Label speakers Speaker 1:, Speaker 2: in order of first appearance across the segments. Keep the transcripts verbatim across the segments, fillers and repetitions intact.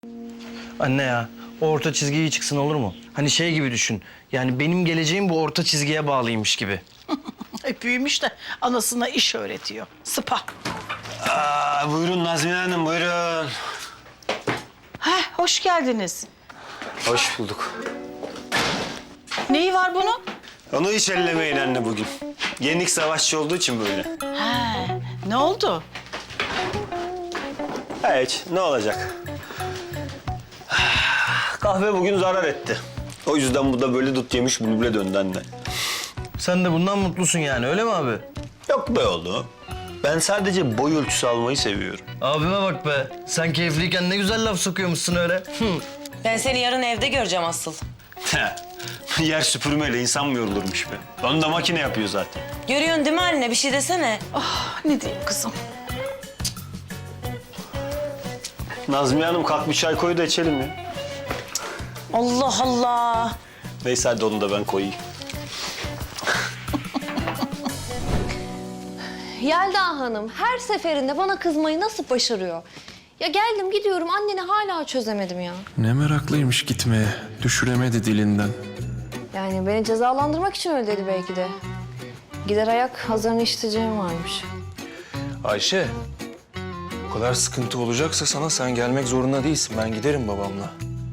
Speaker 1: Anne ya, o orta çizgi iyi çıksın olur mu? Hani şey gibi düşün. Yani benim geleceğim bu orta çizgiye bağlıymış gibi.
Speaker 2: E, büyümüş de anasına iş öğretiyor. Sıpa.
Speaker 3: Aa, buyurun Nazmiye Hanım, buyurun.
Speaker 2: Heh, hoş geldiniz.
Speaker 3: Hoş bulduk.
Speaker 2: Neyi var bunun?
Speaker 3: Onu hiç ellemeyin anne bugün. Yenik savaşçı olduğu için böyle.
Speaker 2: He, ne oldu?
Speaker 3: Hiç, ne olacak? Kahve bugün zarar etti. O yüzden bu da böyle dut yemiş bülbüle döndü anne.
Speaker 1: Sen de bundan mutlusun yani, öyle mi abi?
Speaker 3: Yok be oğlum. Ben sadece boy ölçüsü almayı seviyorum.
Speaker 1: Abime bak be. Sen keyifliyken ne güzel laf sokuyormuşsun öyle. Hı.
Speaker 4: Ben seni yarın evde göreceğim asıl.
Speaker 3: Yer süpürmeyle insan mı yorulurmuş be? Onu da makine yapıyor zaten.
Speaker 4: Görüyorsun değil mi anne? Bir şey desene.
Speaker 2: Ah, ne diyeyim kızım?
Speaker 3: Nazmiye Hanım kalk bir çay koy da içelim ya.
Speaker 4: Allah Allah.
Speaker 3: Neyse hadi onu da ben koyayım.
Speaker 5: Yelda Hanım her seferinde bana kızmayı nasıl başarıyor? Ya geldim gidiyorum anneni hala çözemedim ya.
Speaker 6: Ne meraklıymış gitmeye. Düşüremedi dilinden.
Speaker 5: Yani beni cezalandırmak için öyle dedi belki de. Gider ayak hazırını işiteceğim varmış.
Speaker 6: Ayşe, o kadar sıkıntı olacaksa sana sen gelmek zorunda değilsin. Ben giderim babamla.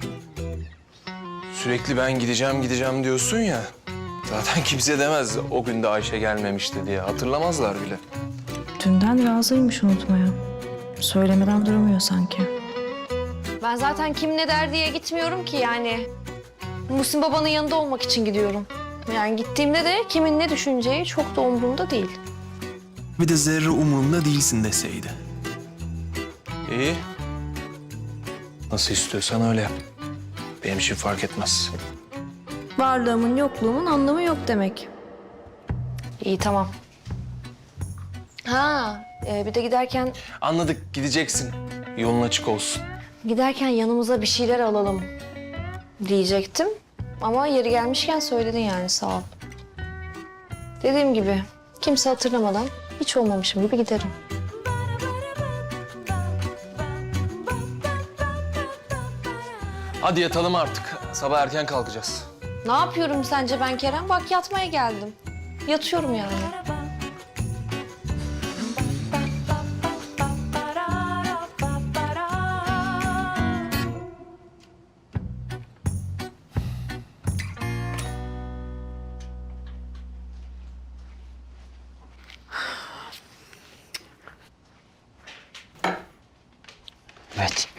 Speaker 6: Sürekli ben gideceğim gideceğim diyorsun ya. Zaten kimse demez o gün de Ayşe gelmemişti diye. Hatırlamazlar bile.
Speaker 7: Dünden razıymış unutmaya. Söylemeden duramıyor sanki.
Speaker 5: Ben zaten kim ne der diye gitmiyorum ki yani. Muhsin babanın yanında olmak için gidiyorum. Yani gittiğimde de kimin ne düşüneceği çok da umurumda değil.
Speaker 6: Bir de zerre umurumda değilsin deseydi. İyi. Nasıl istiyorsan öyle yap. Benim için fark etmez.
Speaker 7: Varlığımın yokluğumun anlamı yok demek.
Speaker 5: İyi tamam. Ha e, bir de giderken
Speaker 6: Anladık, gideceksin. Yolun açık olsun.
Speaker 5: giderken yanımıza bir şeyler alalım diyecektim. Ama yeri gelmişken söyledin yani sağ ol. Dediğim gibi kimse hatırlamadan hiç olmamışım gibi giderim.
Speaker 6: Hadi yatalım artık. Sabah erken kalkacağız.
Speaker 5: Ne yapıyorum sence ben Kerem? Bak yatmaya geldim. Yatıyorum yani.
Speaker 8: Evet.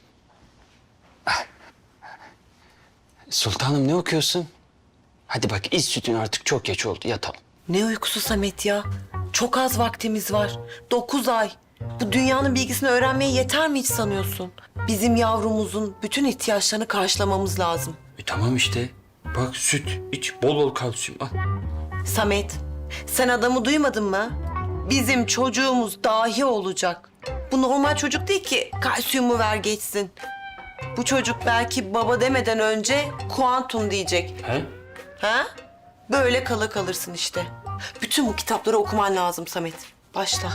Speaker 8: Sultanım ne okuyorsun? Hadi bak iç sütün artık çok geç oldu yatalım.
Speaker 4: Ne uykusu Samet ya? Çok az vaktimiz var. Dokuz ay. Bu dünyanın bilgisini öğrenmeye yeter mi hiç sanıyorsun? Bizim yavrumuzun bütün ihtiyaçlarını karşılamamız lazım.
Speaker 8: E tamam işte. Bak süt iç bol bol kalsiyum al.
Speaker 4: Samet, sen adamı duymadın mı? Bizim çocuğumuz dahi olacak. Bu normal çocuk değil ki kalsiyumu ver geçsin. Bu çocuk belki baba demeden önce kuantum diyecek.
Speaker 8: He?
Speaker 4: Ha? Böyle kala kalırsın işte. Bütün bu kitapları okuman lazım Samet. Başla.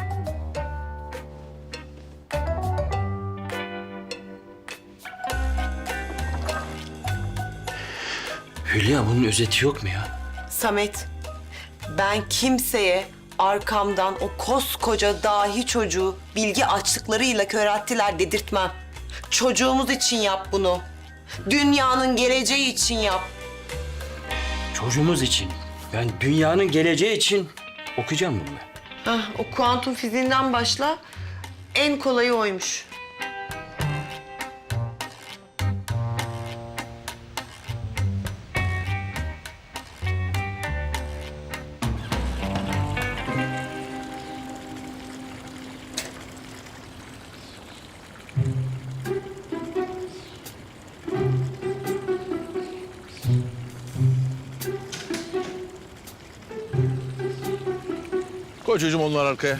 Speaker 8: Hülya bunun özeti yok mu ya?
Speaker 4: Samet, ben kimseye arkamdan o koskoca dahi çocuğu bilgi açlıklarıyla körelttiler dedirtmem. Çocuğumuz için yap bunu. Dünyanın geleceği için yap.
Speaker 8: Çocuğumuz için. Ben dünyanın geleceği için okuyacağım bunu ben.
Speaker 4: Hah, o kuantum fiziğinden başla. En kolayı oymuş.
Speaker 9: Koy çocuğum onlar arkaya.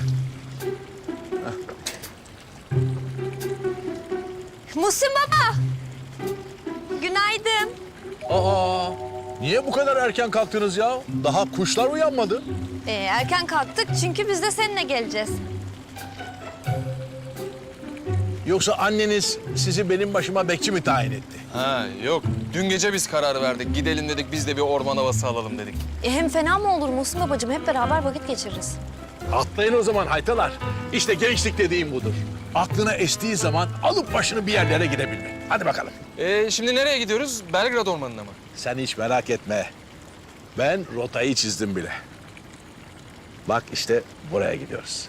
Speaker 5: Muhsin baba! Günaydın.
Speaker 9: Aa, niye bu kadar erken kalktınız ya? Daha kuşlar uyanmadı.
Speaker 5: Ee, erken kalktık çünkü biz de seninle geleceğiz.
Speaker 9: Yoksa anneniz sizi benim başıma bekçi mi tayin etti?
Speaker 10: Ha yok. Dün gece biz karar verdik. Gidelim dedik biz de bir orman havası alalım dedik.
Speaker 5: E hem fena mı olur Muhsin babacığım? Hep beraber vakit geçiririz.
Speaker 9: Atlayın o zaman haytalar. İşte gençlik dediğim budur. Aklına estiği zaman alıp başını bir yerlere gidebilmek. Hadi bakalım.
Speaker 10: Ee, şimdi nereye gidiyoruz? Belgrad Ormanı'na mı?
Speaker 9: Sen hiç merak etme. Ben rotayı çizdim bile. Bak işte buraya gidiyoruz.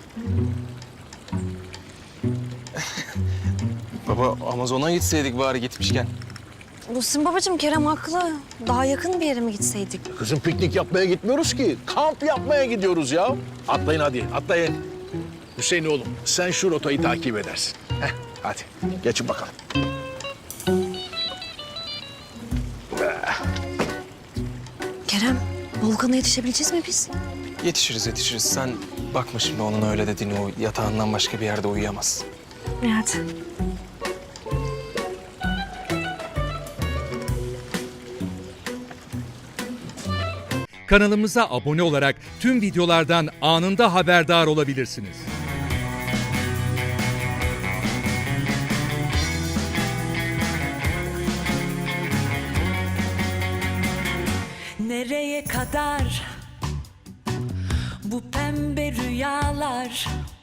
Speaker 10: Baba Amazon'a gitseydik bari gitmişken.
Speaker 5: Muhsin babacığım Kerem haklı. Daha yakın bir yere mi gitseydik?
Speaker 9: Kızım piknik yapmaya gitmiyoruz ki. Kamp yapmaya gidiyoruz ya. Atlayın hadi, atlayın. Hüseyin oğlum, sen şu rotayı takip edersin. Heh, hadi geçin bakalım.
Speaker 5: Kerem, Volkan'a yetişebileceğiz mi biz?
Speaker 10: Yetişiriz yetişiriz. Sen bakma şimdi onun öyle dediğini, o yatağından başka bir yerde uyuyamaz.
Speaker 5: İyi hadi.
Speaker 11: Kanalımıza abone olarak tüm videolardan anında haberdar olabilirsiniz.
Speaker 12: Nereye kadar bu pembe rüyalar?